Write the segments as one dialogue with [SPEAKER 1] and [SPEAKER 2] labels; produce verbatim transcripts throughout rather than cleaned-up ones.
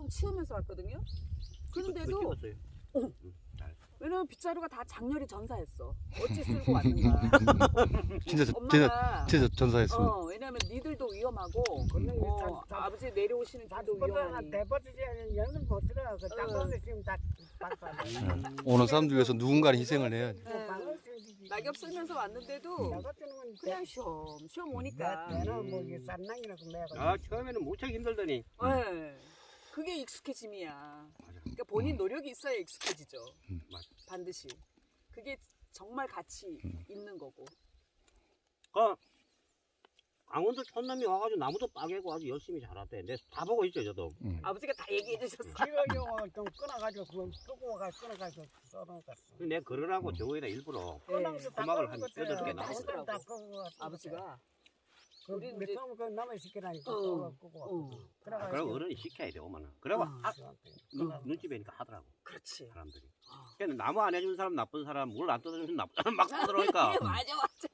[SPEAKER 1] 뻥 치우면서 왔거든요. 그런데도 어, 왜냐면 빗자루가 다 장렬히 전사했어. 어찌 쓸고 왔는가.
[SPEAKER 2] 진짜
[SPEAKER 1] 엄마가
[SPEAKER 2] 진짜 진짜 전사했어.
[SPEAKER 1] 어, 왜냐면 니들도 위험하고 어, 아버지 내려오시는 길도 위험하니.
[SPEAKER 3] 대버지지 연은 못 들어. 그 땅콩을 지금 다 박사.
[SPEAKER 2] 오는 사람들 위해서 누군가는 희생을 해야지.
[SPEAKER 1] 낙엽 쓸면서 왔는데도 그냥 쉬엄 쉬엄 오니까.
[SPEAKER 3] 내는 뭐 이게 산낭이라고 매가.
[SPEAKER 4] 아 처음에는 무척 힘들더니
[SPEAKER 1] 네. 그게 익숙해짐이야. 그러니까 본인 노력이 있어야 익숙해지죠.
[SPEAKER 2] 음.
[SPEAKER 1] 반드시. 그게 정말 가치 있는 거고.
[SPEAKER 4] 그 강원도 촌놈이 와가지고 나무도 빠개고 아주 열심히 자랐대. 내가 다 보고 있죠 저도.
[SPEAKER 2] 음.
[SPEAKER 1] 아버지가 다 얘기해 주셨어.
[SPEAKER 3] 지금 좀 끊어가지고 그걸 끄고 와가 끊어가지고 썰어놨어.
[SPEAKER 4] 내가 그러라고 저거에다 일부러
[SPEAKER 1] 네.
[SPEAKER 4] 음악을 한 여덟 개
[SPEAKER 1] 다 하시더라고.
[SPEAKER 3] 나왔어.
[SPEAKER 1] 아버지가.
[SPEAKER 3] 그
[SPEAKER 1] 우리 이제-
[SPEAKER 3] 몇점 그 남아 시키라니까
[SPEAKER 1] 어.
[SPEAKER 3] 끄고
[SPEAKER 1] 어.
[SPEAKER 3] 왔거든.
[SPEAKER 4] 아, 그럼 어른이 시켜야 돼 오면은. 그래고
[SPEAKER 1] 어.
[SPEAKER 4] 아, 눈,
[SPEAKER 3] 어.
[SPEAKER 4] 눈치 뵈니까 하더라고
[SPEAKER 1] 그렇지.
[SPEAKER 4] 사람들이.
[SPEAKER 1] 어.
[SPEAKER 4] 걔는 나무 안 해준 사람 나쁜 사람, 물 안 떠주는 사람 나쁜 사람 막 떠들어오니까
[SPEAKER 1] 맞아 맞아.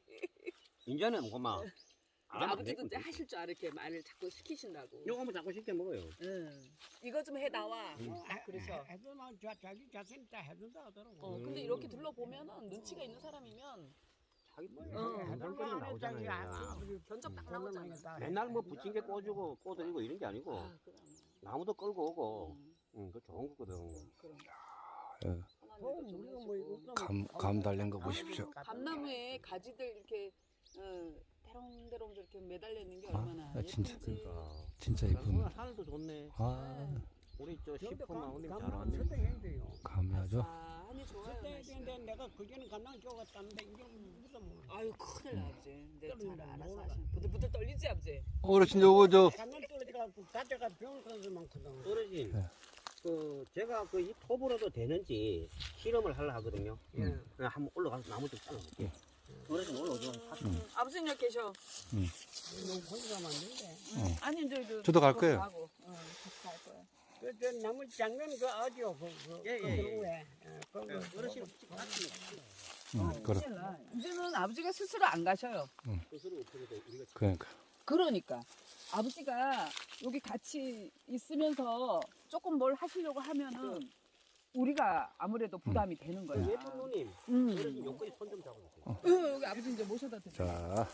[SPEAKER 4] 이제는 그만 안 하면 안
[SPEAKER 1] 아버지도 이제
[SPEAKER 4] 되거든.
[SPEAKER 1] 하실 줄 알아. 이렇게 말을 자꾸 시키신다고.
[SPEAKER 4] 요거 뭐 자꾸 시켜 먹어요.
[SPEAKER 1] 응. 이거 좀 해 나와.
[SPEAKER 4] 음.
[SPEAKER 1] 어, 딱 그래서.
[SPEAKER 3] 해도 나 자- 자기 자신 다 해준다 하더라고.
[SPEAKER 1] 어, 근데 이렇게 둘러보면은 눈치가 있는 사람이면
[SPEAKER 4] 자기 뭐
[SPEAKER 1] 어.
[SPEAKER 4] 해달거리 나오잖아요.
[SPEAKER 1] 견적 딱 나오잖아.
[SPEAKER 4] 맨날 뭐 부침개 꺼주고 꺼드리고 이런 게 아니고
[SPEAKER 1] 아, 그럼.
[SPEAKER 4] 나무도 끌고 오고
[SPEAKER 1] 음,
[SPEAKER 4] 응, 그 좋은 거거든.
[SPEAKER 1] 그럼.
[SPEAKER 2] 예.
[SPEAKER 1] 하나님도 좀
[SPEAKER 3] 우리가 뭐
[SPEAKER 1] 해주고.
[SPEAKER 3] 이거
[SPEAKER 2] 감, 감 달린 거 보십시오.
[SPEAKER 1] 감나무에 가지들 이렇게 어, 대롱대롱 이렇게 매달려 있는 게
[SPEAKER 2] 아,
[SPEAKER 1] 얼마나
[SPEAKER 2] 아, 진짜
[SPEAKER 1] 예쁜지.
[SPEAKER 4] 그러니까
[SPEAKER 2] 진짜
[SPEAKER 4] 오늘
[SPEAKER 2] 이쁜.
[SPEAKER 4] 하늘도 좋네.
[SPEAKER 2] 아,
[SPEAKER 4] 우리 저
[SPEAKER 3] 근데
[SPEAKER 4] 시퍼 마운님 잘
[SPEAKER 3] 감나무
[SPEAKER 4] 왔네.
[SPEAKER 3] 설득해야 돼요.
[SPEAKER 2] 감이 아주.
[SPEAKER 1] 아, 하니 좋아요.
[SPEAKER 3] 설득해야
[SPEAKER 1] 날씨가.
[SPEAKER 3] 되는데 내가 그전에 감나무 쪼갔다는데 이게 무슨 뭐.
[SPEAKER 1] 아유 큰일 나 아버지. 근데 잘
[SPEAKER 3] 떨린다,
[SPEAKER 1] 알아서
[SPEAKER 3] 몰라.
[SPEAKER 1] 하시는. 부들부들 떨리지 아버지.
[SPEAKER 2] 어르신 요거 저
[SPEAKER 3] 감나무 떨어져갖고 가져가 병원 가는 수 많거든.
[SPEAKER 4] 어르신,
[SPEAKER 2] 네.
[SPEAKER 4] 그 제가 그 이 톱으로도 되는지 실험을 하려 하거든요.
[SPEAKER 3] 예.
[SPEAKER 4] 그냥 한번 올라가서 나무 좀 잘라볼게요. 어르신 올라오죠.
[SPEAKER 1] 음, 아버지는 여기 계셔.
[SPEAKER 3] 너무 혼자 가면 안 된대.
[SPEAKER 1] 응. 아니 이제 그
[SPEAKER 2] 저도 갈 거예요.
[SPEAKER 1] 하고, 응, 같이 갈 거야.
[SPEAKER 3] 그, 저 나무 장면 그 아디오 그, 그,
[SPEAKER 4] 예,
[SPEAKER 3] 그
[SPEAKER 4] 예, 예.
[SPEAKER 3] 그거에. 예, 그거.
[SPEAKER 4] 어르신
[SPEAKER 2] 음, 그래.
[SPEAKER 1] 큰일 나. 이제는 아버지가 스스로 안 가셔요.
[SPEAKER 4] 스스로 어떻게 돼? 우리가
[SPEAKER 2] 그러니까.
[SPEAKER 1] 그러니까 아버지가 여기 같이 있으면서 조금 뭘 하시려고 하면은 우리가 아무래도 부담이 되는 거야.
[SPEAKER 4] 예쁜 누님,
[SPEAKER 1] 음.
[SPEAKER 4] 어르신 여기까지 손 좀 잡아주세요.
[SPEAKER 1] 어, 여기 아버지 이제 모셔다 드세요.
[SPEAKER 2] 자,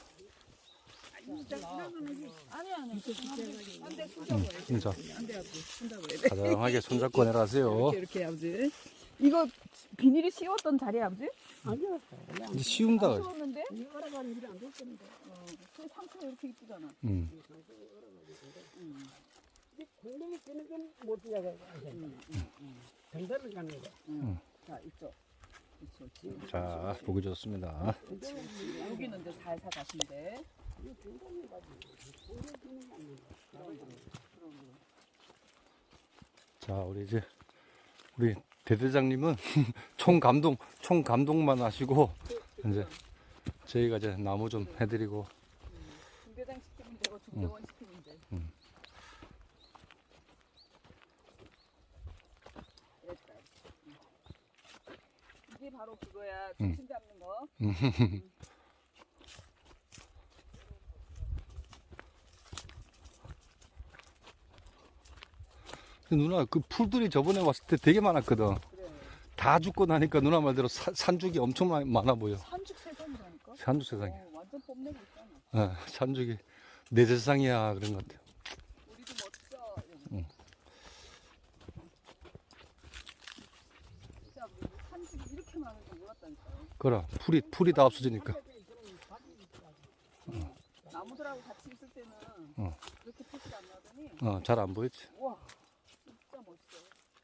[SPEAKER 1] 아니 아니. 안돼 손잡고 해야 돼.
[SPEAKER 2] 진짜
[SPEAKER 1] 안돼 아버지 손잡고 해야 돼.
[SPEAKER 2] 가장하게 손잡고 내려가세요.
[SPEAKER 1] 이렇게 이렇게 아버지. 이거 비닐이 씌웠던 자리야 아버지?
[SPEAKER 3] 아니요.
[SPEAKER 2] 이제 쉬운다.
[SPEAKER 1] 씌웠는데?
[SPEAKER 3] 이 알아가는 일이 안 됐는데.
[SPEAKER 1] 어, 그 상태가 이렇게 이쁘잖아.
[SPEAKER 2] 음,
[SPEAKER 1] 음,
[SPEAKER 3] 공동이 쓰는 건못 이야기해.
[SPEAKER 1] 음, 음, 음,
[SPEAKER 3] 전달을 가는 거.
[SPEAKER 1] 음. 자 이쪽. 이쪽 지금.
[SPEAKER 2] 자, 보기 좋습니다.
[SPEAKER 1] 여기는 이제 살살 가시면 돼.
[SPEAKER 2] 자, 우리 이제 우리 대대장님은 총 감동, 총 감동만 하시고 이제 저희가 이제 나무 좀 해드리고.
[SPEAKER 1] 중대장 시키면 되고 중대원 시키면 돼.
[SPEAKER 2] 음.
[SPEAKER 1] 이랬다. 음. 이게 바로 그거야.
[SPEAKER 2] 음.
[SPEAKER 1] 중심 잡는 거.
[SPEAKER 2] 누나 그 풀들이 저번에 왔을 때 되게 많았거든.
[SPEAKER 1] 그래.
[SPEAKER 2] 다 죽고 나니까 누나 말대로 사- 산죽이 엄청 많- 많아 보여.
[SPEAKER 1] 산죽 세상이라니까.
[SPEAKER 2] 산죽 세상에.
[SPEAKER 1] 어, 완전 뽐내고 있잖아.
[SPEAKER 2] 어, 산죽이 내 세상이야 그런 것 같아.
[SPEAKER 1] 우리도 멋져.
[SPEAKER 2] 응.
[SPEAKER 1] 진짜 우리 산죽이 이렇게 많은 줄 몰랐다니까.
[SPEAKER 2] 그래 풀이 풀이 다 없어지니까.
[SPEAKER 1] 나무들하고 같이 있을 때는
[SPEAKER 2] 어.
[SPEAKER 1] 이렇게 표시가 안 나더니
[SPEAKER 2] 어, 잘 안 보였지.
[SPEAKER 1] 우와 진짜 멋있어.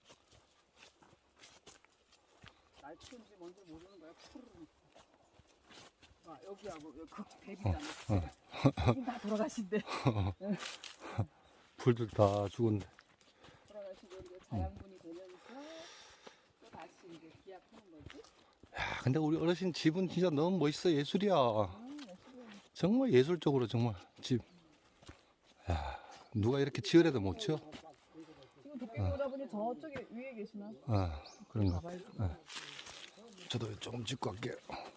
[SPEAKER 1] 날 키운지 뭔지 모르는 거야. 푸르르. 아, 여기하고 여기 그 대비잖아. 여긴 다 돌아가신대.
[SPEAKER 2] 풀들 다 죽었네.
[SPEAKER 1] 돌아가시고 이게 자양분이 되면서 또 다시 이제 기약하는 거지.
[SPEAKER 2] 야, 근데 우리 어르신 집은 진짜 너무 멋있어. 예술이야.
[SPEAKER 1] 아, 예술이야.
[SPEAKER 2] 정말 예술적으로 정말 집. 야, 누가 이렇게 지으래도 못 지어.
[SPEAKER 1] 지금 도깨비 오다 보니 저쪽에 위에 계시나?
[SPEAKER 2] 아, 그런가.
[SPEAKER 1] 가봐야지.
[SPEAKER 2] 저도 조금 짓고 갈게요.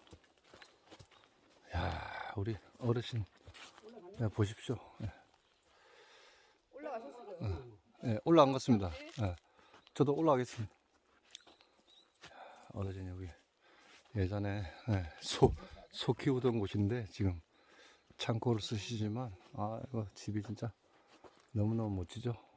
[SPEAKER 2] 야, 우리 어르신 야, 보십시오. 예.
[SPEAKER 1] 올라가셨어요.
[SPEAKER 2] 예, 올라간 것 같습니다. 예, 저도 올라가겠습니다. 어르신 여기 예전에 예, 소, 소 키우던 곳인데 지금 창고를 쓰시지만 아 이거 집이 진짜 너무너무 멋지죠.